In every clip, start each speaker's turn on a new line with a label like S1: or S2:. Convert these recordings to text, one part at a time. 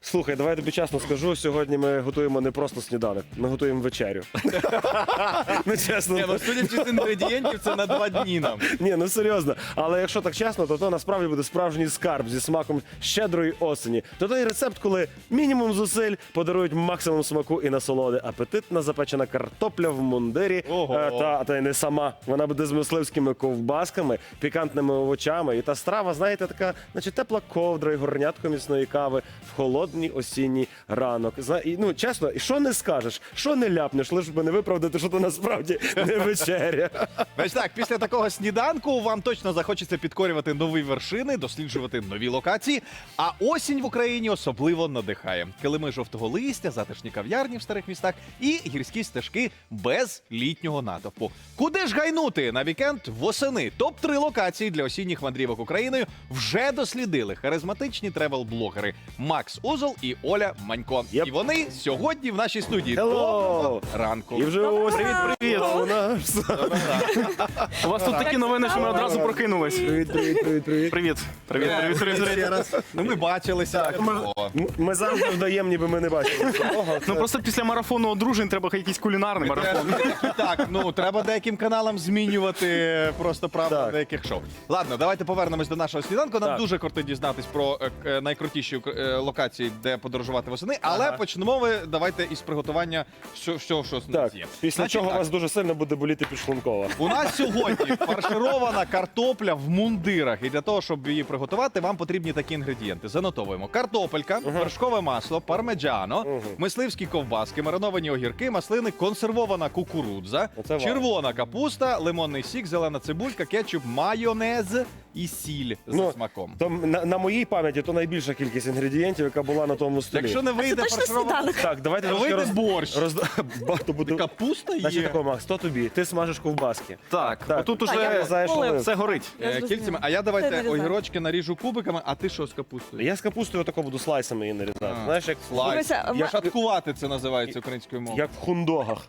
S1: Слухай, давай я тобі чесно скажу, сьогодні ми готуємо не просто сніданок, ми готуємо вечерю. Ну, чесно.
S2: Ну, судячи з інгредієнтів, це на 2 дні нам.
S1: Ні, ну серйозно. Але якщо так чесно, то насправді буде справжній скарб зі смаком щедрої осені. То той рецепт, коли мінімум зусиль подарують максимум смаку і насолоди. Апетитна запечена картопля в мундирі.
S2: Ого.
S1: Та й не сама. Вона буде з мисливськими ковбасками, пікантними овочами. І та страва, знаєте, така, наче тепла ковдра і горнятко міцної кави в холодний осінній ранок. Ну, чесно, і що не скажеш, що не ляпнеш, лише би не виправдати, що то насправді не вечеря.
S2: Значить так, після такого сніданку вам точно захочеться підкорювати нові вершини, досліджувати нові локації. А осінь в Україні особливо надихає. Килими жовтого листя, затишні кав'ярні в старих містах і гірські стежки без літнього натовпу. Куди ж гайнути на вікенд восени? Топ-3 локації для осінніх мандрівок Україною вже дослідили харизматичні тревел-блогери Макс Узол і Оля Манько.
S1: Yep.
S2: І вони сьогодні в нашій студії.
S1: Hello.
S2: Доброго ранку.
S1: І вже ось
S3: Привіт!
S1: у нас.
S3: У вас тут такі новини, що ми одразу прокинулись.
S1: Привіт.
S3: Привіт.
S2: Ну, ми бачилися. О.
S1: Ми завжди вдаємо, ніби ми не бачимо.
S3: Ну просто після марафону одружень треба якийсь кулінарний марафон.
S2: Так, ну треба деяким каналам змінювати просто правду
S1: Так.
S2: деяких шоу. Ладно, давайте повернемось до нашого сніданку. Нам
S1: Так.
S2: дуже кортить дізнатись про найкрутіші локації, де подорожувати восени. Але почнемо ми давайте із приготування всього, що з нас
S1: Так,
S2: є.
S1: після
S2: Значить
S1: чого
S2: так,
S1: вас дуже сильно буде боліти підшлункова.
S2: у нас сьогодні фарширована картопля в мундирах. І для того, щоб її приготувати, вам потрібні такі інгредієнти. Занотовуємо: картопелька, вершкове масло, пармеджано, мисливські ковбаски, мариновані огірки, маслини, консервована кукурудза,
S1: Оце вау.
S2: червона капуста, лимонний сік, зелена цибулька, кетчуп, майонез і сіль з
S1: Ну,
S2: смаком.
S1: То на моїй пам'яті то найбільша кількість інгредієнтів, яка була на тому столі.
S2: Якщо не
S4: Це
S2: вийде
S4: точно
S2: фарширована...
S4: сніданок.
S1: Так, давайте
S2: Вийде
S1: трошки
S2: борщ.
S1: Багато буде.
S2: Капуста
S1: Значить
S2: є.
S1: такого, Макс, то тобі. Ти смажеш ковбаски.
S3: Так, отут
S4: Так, я
S3: уже
S1: знаєш,
S4: Олег,
S1: Олег.
S3: все горить.
S4: Я зрозуміла.
S2: Кільцями. А я
S4: Це
S2: давайте
S4: нарізаю.
S2: огірочки наріжу кубиками, а ти що з капустою?
S1: Я з капустою отако буду слайсами її нарізати.
S2: А.
S1: Знаєш, як
S2: Слайс.
S4: Дивися,
S1: Я
S2: Шаткувати це називається українською мовою.
S1: як в хундогах.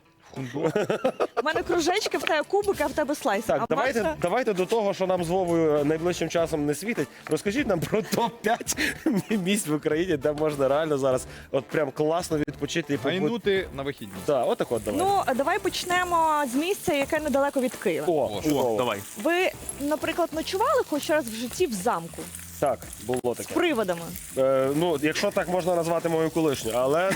S4: У мене кружечки, в тебе кубики, а в тебе слайси.
S1: Так,
S4: А Макса-
S1: давайте до того, що нам з Вовою найближчим часом не світить. Розкажіть нам про топ-5 місць в Україні, де можна реально зараз от прям класно відпочити і побути.
S2: Гайнути на вихідні.
S1: Так, отак от давай.
S4: Ну, давай почнемо з місця, яке недалеко від Києва.
S1: О, чудово.
S3: Давай.
S4: Ви, наприклад, ночували хоч раз в житті в замку
S1: Так, було
S4: з
S1: таке.
S4: приводами?
S1: Ну, якщо так можна назвати мою колишню, але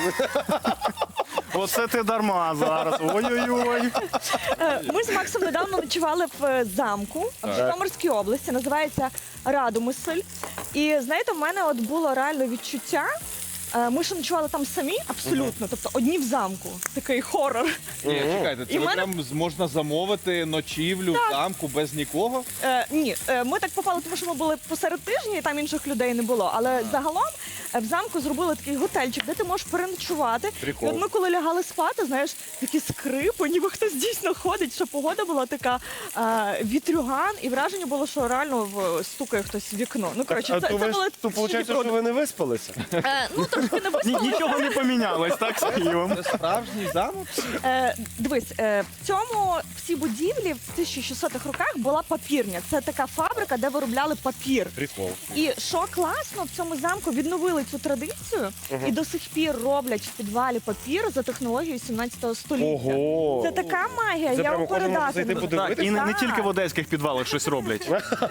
S3: Оце ти дарма зараз. Ой-ой-ой.
S4: Ми з Максом недавно ночували в замку в Житомирській області, називається Радомисль. І знаєте, в мене от було реально відчуття. Ми ж ночували там самі, абсолютно, тобто одні в замку. Такий хорор.
S2: Ні, чекайте, це
S4: І
S2: ви
S4: мене-
S2: прям можна замовити ночівлю в замку без нікого?
S4: Ні, ми так попали, тому що ми були посеред тижня, і там інших людей не було. Але загалом в замку зробили такий готельчик, де ти можеш переночувати.
S1: Прикол.
S4: І от ми коли лягали спати, знаєш, такі скрипи, ніби хтось дійсно ходить, що погода була така вітрюган, і враження було, що реально стукає хтось в вікно. Ну, коротше, це були
S1: то виходить, що ви не виспалися.
S4: ну, трошки не виспали.
S3: Нічого не помінялось, так, з Києвом?
S2: Це справжній замок?
S4: Дивись, в цій будівлі в 1600-х роках була папірня. Це така фабрика, де виробляли папір.
S1: Прикол.
S4: І що класно, в цьому замку відновили цю традицію і до сих пір роблять в підвалі папір за технологією 17 століття.
S1: Ого.
S4: Це така магія,
S1: Це
S4: я
S1: прямо
S4: вам
S1: кожен може
S4: передати
S1: зайти
S4: не можу.
S1: подивитися?
S3: Так, і не
S4: Так.
S3: тільки в одеських підвалах щось роблять.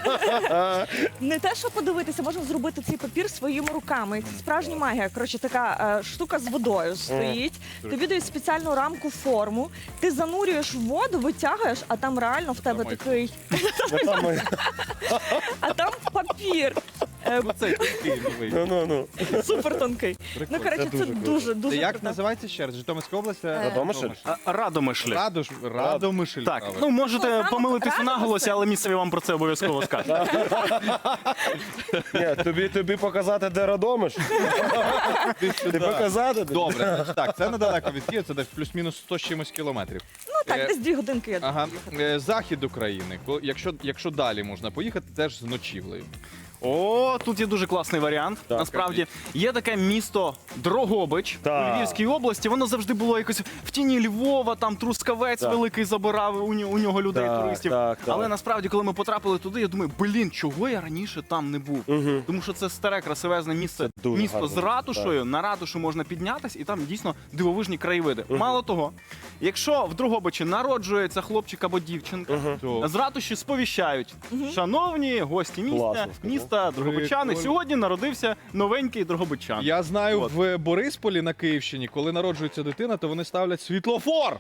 S4: Не те, що подивитися, можна зробити цей папір своїми руками. І це справжня магія. Коротше, така штука з водою стоїть. Тобі дають спеціальну рамку форму, ти занурюєш в воду, витягуєш, а там реально в тебе
S2: Думаю.
S4: такий, а там папір.
S2: Ну це такий новий.
S1: Ну.
S4: Супер тонкий. Ну, коротше,
S1: Це
S4: це
S1: дуже
S4: дуже,
S2: Це
S4: дуже
S2: як
S4: круто.
S2: називається ще раз? Житомирська область?
S1: Радомишль?
S3: Радомишлі.
S2: Радомишль.
S3: Так,
S2: правильно.
S3: ну можете
S4: Ну,
S3: помилитися
S4: Радомишль.
S3: наголосі, але місцеві вам про це обов'язково скажуть.
S1: Ні, тобі показати, де Радомиш? Ти показати?
S2: Добре, значить так, це недалеко від Києва, це десь плюс-мінус 100 з чимось кілометрів.
S4: Ну так, десь 2 годинки я
S2: Ага.
S4: думаю.
S2: Захід України. Якщо далі можна поїхати, теж з ночівлею.
S3: О, тут є дуже класний варіант.
S1: Так,
S3: Насправді є таке місто Дрогобич
S1: Так.
S3: у Львівській області. Воно завжди було якось в тіні Львова, там Трускавець
S1: Так.
S3: великий забирав у нього людей,
S1: Так,
S3: туристів.
S1: так, так.
S3: Але насправді, коли ми потрапили туди, я думаю, чого я раніше там не був? Тому що це старе, красивезне місце,
S1: Це дуже
S3: місто з
S1: гарно.
S3: ратушою. На ратушу можна піднятись, і там дійсно дивовижні краєвиди. Мало того, якщо в Дрогобичі народжується хлопчик або дівчинка,
S2: То.
S3: з ратуші сповіщають. Шановні гості
S1: Класно,
S3: міста Дрогобичани,
S2: Прикольно.
S3: сьогодні народився новенький дрогобичан.
S2: Я знаю,
S3: От.
S2: в Борисполі на Київщині, коли народжується дитина, то вони ставлять світлофор.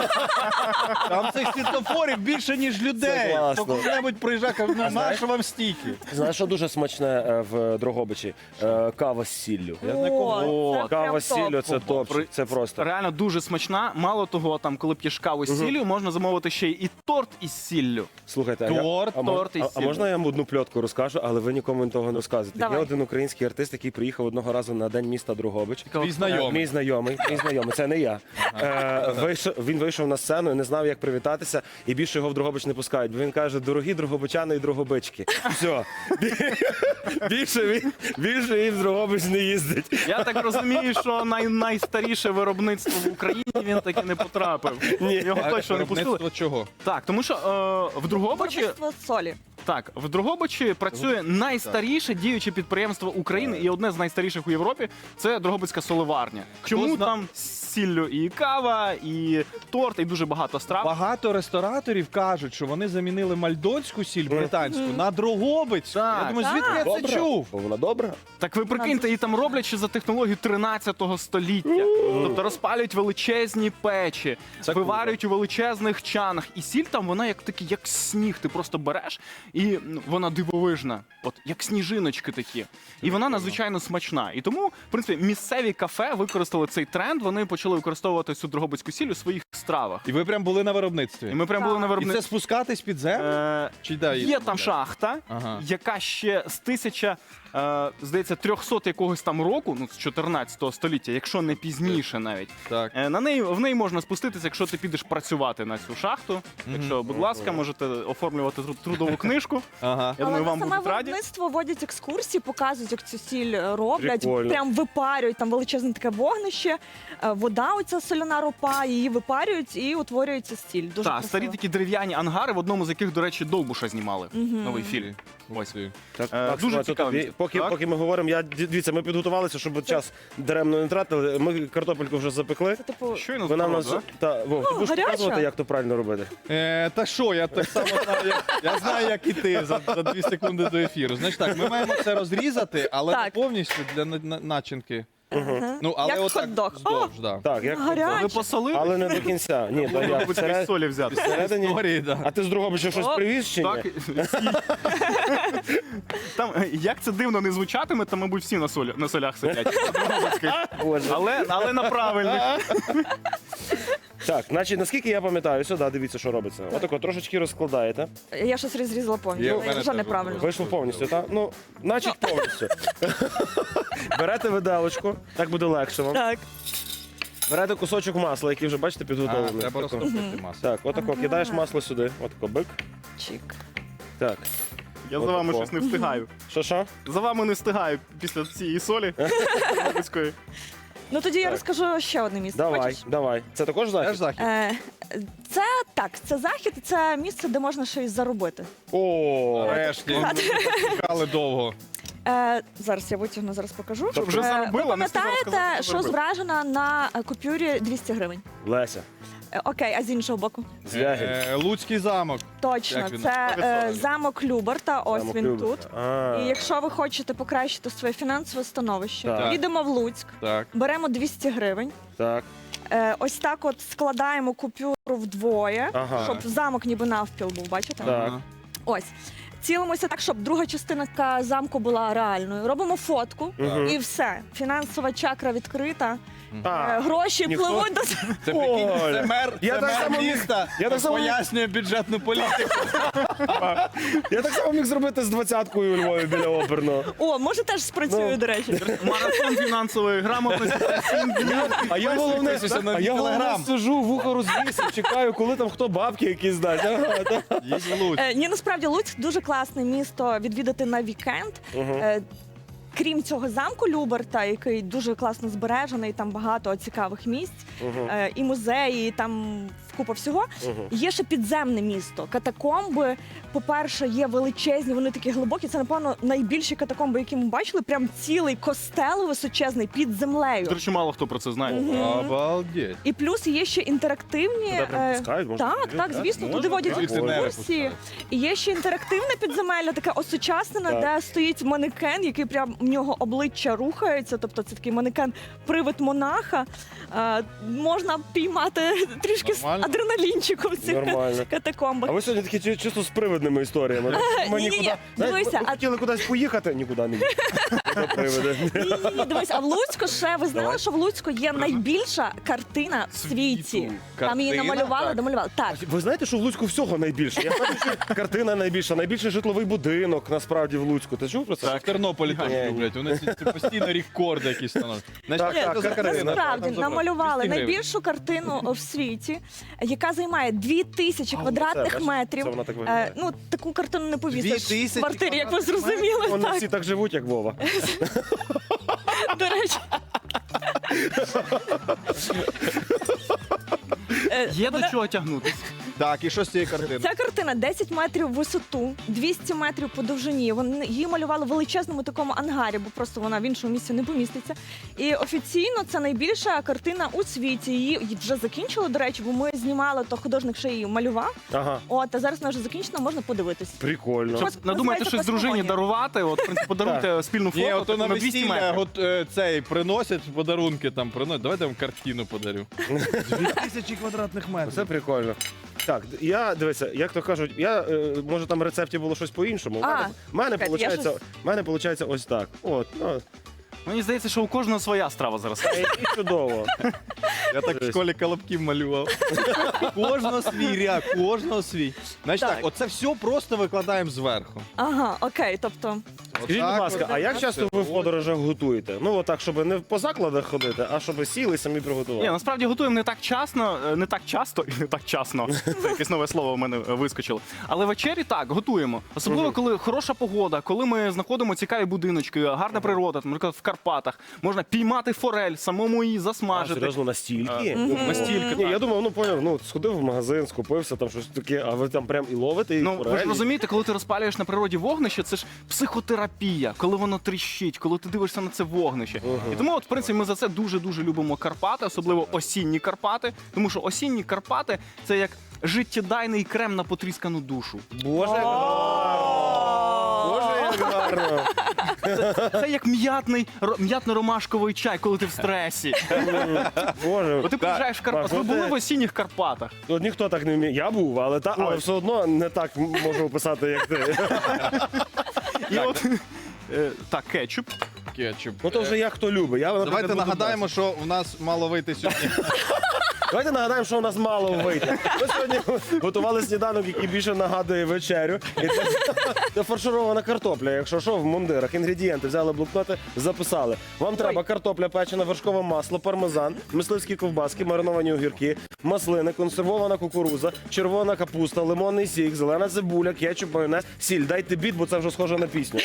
S2: Там цих світлофорів більше, ніж людей.
S1: Це класно.
S2: То Хто-небудь приїжджає, каже, ну нащо вам стільки?
S1: Знаєш, що дуже смачне в Дрогобичі? Кава з сіллю.
S2: Я знаю, кого.
S4: О, це
S1: Кава
S4: прям
S1: з сіллю
S4: топ.
S1: це топ. Це просто.
S3: Реально дуже смачна. Мало того, там, коли п'єш каву з сіллю, можна замовити ще й торт із сіллю.
S1: Слухайте,
S2: Торт,
S3: торт із
S1: а
S3: сіллю.
S1: можна я вам одну пльотку розкажу, але ви нікому того не розказуєте.
S4: Давай.
S1: Є один український артист, який приїхав одного разу на день міста Дрогобич.
S2: Твій знайомий.
S1: Мій знайомий, це не я. Він вийшов на сцену і не знав, як привітатися, і більше його в Дрогобич не пускають. Бо він каже: дорогі дрогобичани і дрогобички. Все. Більше він в Дрогобич не їздить.
S3: Я так розумію, що найстаріше виробництво в Україні він таки не потрапив. Його точно не пустили.
S2: Виробництво чого?
S3: Так, тому що в Дрогобичі
S4: Виробництво солі.
S3: Так, в Дрогобичі працює найстаріше діюче підприємство України і одне з найстаріших у Європі – це Дрогобицька соливарня. Чому там з сіллю і кава, і торт, і дуже багато страв.
S2: Багато рестораторів кажуть, що вони замінили мальдонську сіль британську на Дрогобицьку.
S3: Так.
S2: Я думаю, звідки я це
S1: Добре.
S2: чув?
S1: Бо вона добра.
S3: Так ви прикиньте, її там роблять ще за технологію 13 століття. Тобто розпалюють величезні печі,
S2: Це
S3: виварюють у величезних чанах. І сіль там, вона як такий, як сніг. Ти просто береш, і вона дивовижна. От як сніжиночки такі. І вона надзвичайно смачна. І тому, в принципі, місцеві кафе використали цей тренд. Вони почали використовувати цю дрогобицьку сіль у своїх стравах.
S2: І ви прям були на виробництві.
S3: І ми прям були на
S2: І це
S3: виробництві.
S2: спускатись під землю? Чи да,
S3: Є там шахта,
S2: Ага.
S3: яка ще з здається, 300 якогось там року, ну з 14 століття, якщо не пізніше навіть.
S2: Так.
S3: В неї можна спуститися, якщо ти підеш працювати на цю шахту. Якщо, будь ласка, можете оформлювати трудову книжку.
S2: Ага.
S3: Я
S4: Але
S3: думаю,
S4: на
S3: вам
S4: саме
S3: будуть раді.
S4: виробництво водять екскурсії, показують, як цю сіль роблять,
S1: Прикольно.
S4: прям випарюють, там величезне таке вогнище, вода оця соляна ропа, її випарюють і утворюється сіль. Дуже
S3: Так,
S4: красиво.
S3: старі такі дерев'яні ангари, в одному з яких, до речі, Довбуша знімали. Новий фільм. Ось.
S1: Так,
S3: Дуже
S1: Макс,
S3: цікаве
S1: тут,
S3: місце.
S1: поки ми говоримо, дивіться, ми підготувалися, щоб час даремно не тратили. Ми картопельку вже запекли.
S4: Це типу
S3: Щойно
S1: Вона в
S3: здорово,
S1: нас
S3: да?
S1: Вов, ти будеш
S4: гаряча.
S1: показувати, як то правильно робити.
S2: Та що, я так само знаю, я знаю, як і ти за 2 секунди до ефіру. Значить так, ми маємо це розрізати, але не
S4: Так.
S2: повністю для начинки. Ну, але
S4: Як
S2: отак
S4: хот-дог.
S2: вздовж, да.
S1: Так, як
S4: гаряче.
S3: Ви посолили?
S1: але не до кінця. Ні, то я
S3: Мабуть, якоїсь солі взяти.
S1: всередині.
S2: Історії, да.
S1: А ти з Дрогобича щось
S4: О,
S1: привіз чи ні?
S3: Так, там, як це дивно не звучатиме, там, мабуть, всі на солях сидять.
S1: Боже.
S3: Але на правильних.
S1: Так, значить, наскільки я пам'ятаю, сюди дивіться, що робиться. Отако трошечки розкладаєте.
S4: Я щось розрізала
S2: Є,
S4: повністю.
S2: в мене
S4: Вже
S2: теж
S4: неправильно.
S1: Вийшло повністю, так? Ну, значить повністю. Берете виделочку, так буде легше вам.
S4: Так.
S1: Берете кусочок масла, який вже бачите підготовлений.
S2: Треба
S1: Тако.
S2: розтопити масу.
S1: Так, отако, кидаєш масло сюди. Отако, бик.
S4: Чик.
S1: Так.
S3: Я за вами щось не встигаю.
S1: Що?
S3: За вами не встигаю після цієї солі. Дрогобицької.
S4: Ну тоді я розкажу ще одне місце.
S1: Давай,
S4: Хочеш?
S1: давай. Це також
S2: Теж
S1: захід?
S2: захід.
S4: Це так, це захід, це місце, де можна щось заробити.
S1: О,
S2: Нарешті. Чекали довго.
S4: Зараз я витягну, зараз покажу.
S3: Щоб вже заробила,
S4: Ви
S3: не встигла сказати,
S4: пам'ятаєте,
S3: що
S4: що
S3: заробила.
S4: зображено на купюрі 200 гривень?
S1: Леся,
S4: Окей, а з іншого боку?
S1: Звягіль.
S2: Луцький замок.
S4: Точно,
S2: Як він?
S4: це
S2: Високий.
S4: замок Люберта, ось
S1: Замок
S4: він
S1: Люберта.
S4: тут.
S1: А.
S4: І якщо ви хочете покращити своє фінансове становище,
S1: Так.
S4: їдемо в Луцьк,
S2: Так.
S4: беремо 200 гривень.
S1: Так.
S4: Ось так от складаємо купюру вдвоє,
S1: Ага.
S4: щоб замок ніби навпіл був, бачите?
S1: Так.
S4: Ось. Цілимося так, щоб друга частина замку була реальною. Робимо фотку і все. Фінансова чакра відкрита.
S1: А.
S4: Гроші
S1: ніхто-
S4: пливуть до
S2: Це прикинь,
S1: Оля.
S2: це мер,
S1: Я
S2: це
S1: так
S2: мер
S1: само міг-
S2: міста,
S1: я так само міг-
S2: пояснює бюджетну політику.
S1: Я так само міг зробити з 20-кою у Львові біля оперного.
S4: О, може теж спрацює,
S1: Ну.
S4: до речі.
S3: Марафон фінансової грамотності.
S1: А я головне,
S2: Підписуйся на
S1: а я головне
S2: Телеграм.
S1: сижу, вухо розвісив, чекаю, коли там хто бабки якісь дасть. Ага, так.
S2: Їдь в Луцьк.
S4: Ні, насправді Луцьк дуже класне місто відвідати на вікенд. Крім цього замку Люберта, який дуже класно збережений, там багато цікавих місць, і музеї, і там купа всього. Є ще підземне місто. Катакомби, по-перше, є величезні, вони такі глибокі. Це, напевно, найбільші катакомби, які ми бачили. Прям цілий костел височезний під землею.
S3: До речі, мало хто про це знає.
S2: Обалдеть.
S4: І плюс є ще інтерактивні.
S1: Туди прям пускають, можна
S4: Так,
S1: подивитися?
S4: так, звісно,
S3: Можна?
S4: туди водять
S2: Кондиціонери
S4: екскурсії.
S2: пускають.
S4: І є ще інтерактивне підземелля, таке осучаснене,
S1: Так.
S4: де стоїть манекен, який прям в нього обличчя рухається. Тобто це такий манекен-привид монаха. Можна піймати трішки
S2: Нормально.
S4: адреналінчику в цих
S1: Нормально.
S4: катакомбах.
S1: А ви сьогодні такі чисто з привидними історіями. Ми
S4: ні-ні-ні,
S1: нікуди- знаєте,
S4: дивися,
S1: ми
S4: а-
S1: хотіли кудись поїхати, нікуди не їдемо. Це привиди.
S4: Ні, дивись, а в Луцьку ще, ви знали, що в Луцьку є найбільша картина в світі? Там її
S2: Картина?
S4: намалювали,
S2: Так.
S4: домалювали. Так.
S1: Ви знаєте, що в Луцьку всього найбільше? Я знаю, що картина найбільша, найбільший житловий будинок насправді в Луцьку. Ти чув про це?
S2: В Тернополі теж
S1: Ні.
S2: люблять. Вони постійно рекорди якісь становлять. Значить,
S1: Так,
S2: що за
S1: так,
S2: картина?
S4: Насправді
S2: Там забрали.
S4: намалювали
S2: 200 гривень.
S4: найбільшу картину в світі, яка займає 2000
S1: А,
S4: квадратних
S1: оце, бачиш,
S4: метрів.
S1: це вона так виглядає.
S4: Ну, таку картину не повісиш
S2: 2000
S4: в квартирі, як ви зрозуміли.
S1: Вони
S4: Так,
S1: всі так живуть, як Вова.
S4: до речі.
S3: Є до чого тягнутися.
S2: Так, і що з цієї картини?
S4: Ця картина 10 метрів в висоту, 200 метрів по довжині. Вони її малювали в величезному такому ангарі, бо просто вона в іншому місці не поміститься. І офіційно це найбільша картина у світі. Її вже закінчили, до речі, бо ми знімали, то художник ще її малював.
S1: Ага,
S4: От, а зараз вона вже закінчена, можна подивитись.
S1: прикольно.
S4: Що?
S3: Надумайте
S4: Називається
S3: щось дружині
S4: «Космогонія».
S3: дарувати, от, в принципі, подаруйте спільну
S2: Ні,
S3: фото
S2: ото на
S3: 200
S2: весілля
S3: метрів.
S2: цей приносять подарунки там приносять. Давайте я вам картину подарю. 2000 квадратних метрів.
S1: Це прикольно. Так, дивися, як то кажуть, може там в рецепті було щось по-іншому. В мене
S4: чекайте, я
S1: виходить ось так. От, ну,
S3: Мені здається, що у кожного своя страва зараз.
S1: і чудово.
S2: Я так в школі колобків малював. Кожного свій ряд, кожного свій. Значить так,
S4: Так.
S2: оце все просто викладаємо зверху.
S4: Ага, окей, тобто.
S1: Скажіть, будь ласка, а як часто ви в подорожах готуєте? Ну, отак, щоб не по закладах ходити, а щоб сіли і самі
S3: Ні,
S1: приготували.
S3: насправді готуємо не так не так часто і не так часно. Це якесь нове слово в мене вискочило. Але вечері так, готуємо. Особливо, коли хороша погода, коли ми знаходимо цікаві будиночки, гарна природа, там, наприклад, в Карпатах. Можна піймати форель, самому її
S1: А,
S3: засмажити.
S1: серйозно, настільки?
S3: Настільки,
S1: Ні,
S3: так.
S1: я думав, ну поняв, ну сходив в магазин, скупився там щось таке, а ви там прям і ловите, і
S3: Ну, ви ж
S1: форелі?
S3: розумієте, коли ти розпалюєш на природі вогнище, це ж психотерапія, коли воно тріщить, коли ти дивишся на це вогнище. І тому, от, в принципі, ми за це дуже-дуже любимо Карпати, особливо осінні Карпати, тому що осінні Карпати – це як життєдайний крем на потріскану душу.
S1: Боже, як гарно! Боже, як гарно!
S3: Це як м'ятно-ромашковий чай, коли ти в стресі.
S1: Боже,
S3: Бо ти приїжджаєш в Карпати.
S1: Маш,
S3: Ви
S1: ну
S3: були
S1: ти-
S3: в осінніх Карпатах.
S1: От ніхто так не вміє. Я був, але все одно не так можу описати, як ти.
S3: І от, так, кетчуп.
S2: Кетчуп.
S1: Ну то вже як хто любить. Я, наприклад,
S2: Давайте
S1: буду
S2: нагадаємо, що в нас мало вийти сьогодні.
S1: Давайте нагадаємо, що у нас мало вийде. Ми сьогодні готували сніданок, який більше нагадує вечерю. І це фарширована картопля. Якщо що, в мундирах. Інгредієнти взяли блокноти, записали. Вам треба картопля печена, вершкове масло, пармезан, мисливські ковбаски, мариновані огірки, маслини, консервована кукуруза, червона капуста, лимонний сік, зелена цибуля, кетчуп, майонез, сіль. Дайте біт, бо це вже схоже на пісню.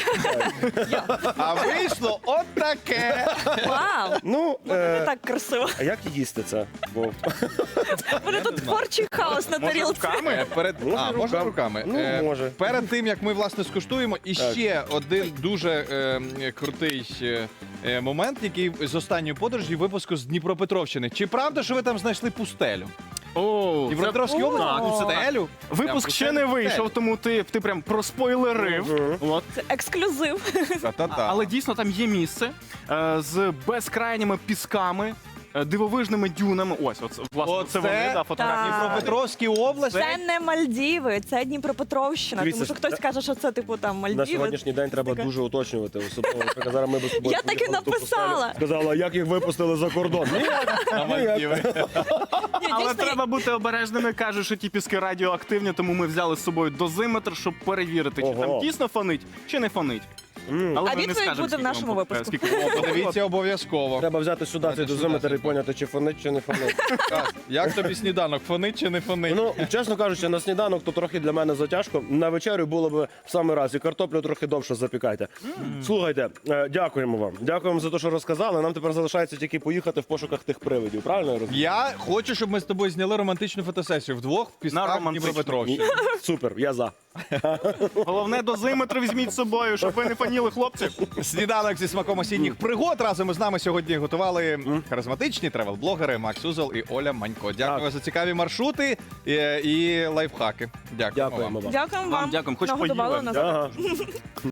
S2: А вийшло от таке.
S4: Вау!
S1: Ну,
S4: Не так красиво.
S1: а як їсти це? Бо
S4: Вони тут творчий хаос на тарілці.
S3: Руками?
S1: Можна
S2: Можна
S1: руками?
S2: руками?
S1: Ну, може.
S2: Перед тим, як ми, власне, скуштуємо, іще один дуже крутий момент, який з останньої подорожі випуску з Дніпропетровщини. Чи правда, що ви там знайшли пустелю?
S3: О,
S2: Дніпропетровській
S3: це-
S2: області
S3: Так.
S2: пустелю?
S3: Випуск ще не вийшов, тому ти прям проспойлерив. От.
S4: Це ексклюзив.
S2: Та-та-та.
S3: Але дійсно там є місце з безкрайніми пісками, дивовижними дюнами. Ось, власне,
S2: Оце
S3: це вони, да, фотографії.
S4: так.
S2: Дніпропетровській області.
S4: Це не Мальдіви, це Дніпропетровщина.
S1: Дивіться,
S4: Тому що хтось каже, що це типу там
S1: на
S4: Мальдіви.
S1: сьогоднішній день треба
S4: Таке.
S1: дуже уточнювати. Особливо, наприклад, зараз ми без тобою
S4: Я так і
S1: поїхали в ту
S4: написала.
S1: пустелю. Сказала, як їх випустили за кордон.
S2: На Мальдіви.
S4: Ні,
S3: Але
S4: дійсно,
S3: треба бути обережними. Кажуть, що ті піски радіоактивні, тому ми взяли з собою дозиметр, щоб перевірити, чи
S1: Ого.
S3: там дійсно фонить, чи не фонить. Але
S4: А
S3: ми не
S4: відповідь
S3: скажемо,
S4: буде в
S3: скільки
S4: нашому
S3: вам
S4: випуску.
S3: скільки вам
S2: Подивіться обов'язково.
S1: Треба взяти сюди цей дозиметр і поняти, чи фонить, чи не фонить.
S2: Так, як тобі сніданок? Фонить чи не фонить?
S1: Ну, чесно кажучи, на сніданок то трохи для мене затяжко. На вечерю було б в самий раз. І картоплю трохи довше запікайте. Слухайте, дякуємо вам. Дякуємо за те, що розказали. Нам тепер залишається тільки поїхати в пошуках тих привидів. Правильно я розумію?
S2: Я хочу, щоб ми з тобою зняли романтичну фотосесію вдвох в пісках
S3: романтичну.
S2: Дніпропетровщини.
S1: Супер, я за.
S3: Головне, дозиметр візьміть з собою, щоб ви не фаніли, хлопці.
S2: Сніданок зі смаком осінніх пригод. Разом із нами сьогодні готували харизматичні тревел-блогери Макс Узол і Оля Манько. Дякую за цікаві маршрути і лайфхаки. Дякую
S1: Дякуємо
S2: вам.
S1: вам.
S4: Дякуємо
S3: Вам
S4: вам.
S3: дякуємо. Хоч
S4: Нагодували
S3: поїли.
S4: нас.
S1: Ага.